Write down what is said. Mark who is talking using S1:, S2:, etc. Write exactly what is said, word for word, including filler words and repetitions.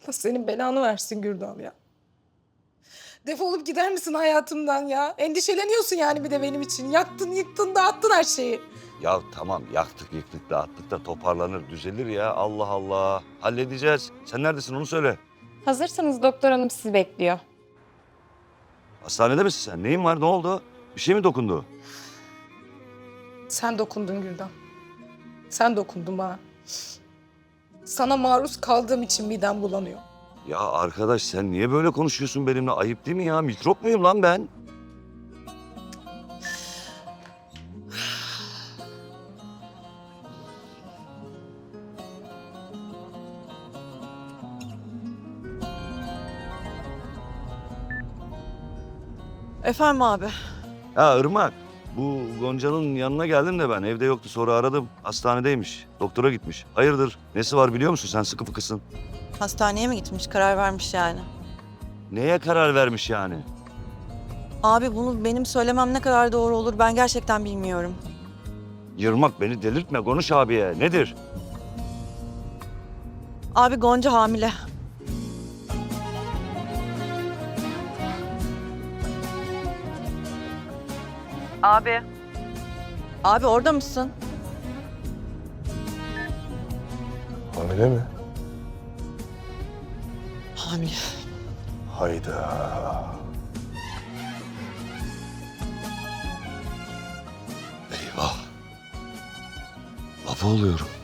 S1: Allah senin belanı versin Gürdal ya. Defolup gider misin hayatımdan ya? Endişeleniyorsun yani bir de benim için. Yaktın, yıktın, dağıttın her şeyi.
S2: Ya tamam yaktık yıktık dağıttık da toparlanır düzelir ya. Allah Allah. Halledeceğiz. Sen neredesin onu söyle.
S3: Hazırsanız doktor hanım sizi bekliyor.
S2: Hastanede misin sen? Neyin var? Ne oldu? Bir şey mi dokundu?
S1: Sen dokundun Gürdal. Sen dokundun bana. Sana maruz kaldığım için midem bulanıyor.
S2: Ya arkadaş sen niye böyle konuşuyorsun benimle? Ayıp değil mi ya? Mikrop muyum lan ben?
S4: Efendim abi.
S2: Ha Irmak. Bu Gonca'nın yanına geldim de ben. Evde yoktu sonra aradım. Hastanedeymiş. Doktora gitmiş. Hayırdır? Nesi var biliyor musun? Sen sıkı fıkısın.
S4: Hastaneye mi gitmiş? Karar vermiş yani.
S2: Neye karar vermiş yani?
S4: Abi bunu benim söylemem ne kadar doğru olur ben gerçekten bilmiyorum.
S2: Yırmak beni delirtme. Konuş abiye. Nedir?
S4: Abi Gonca hamile. Abi. Abi orada mısın?
S5: Hamile mi?
S4: Hamile.
S5: Hayda.
S2: Eyvah. Baba oluyorum.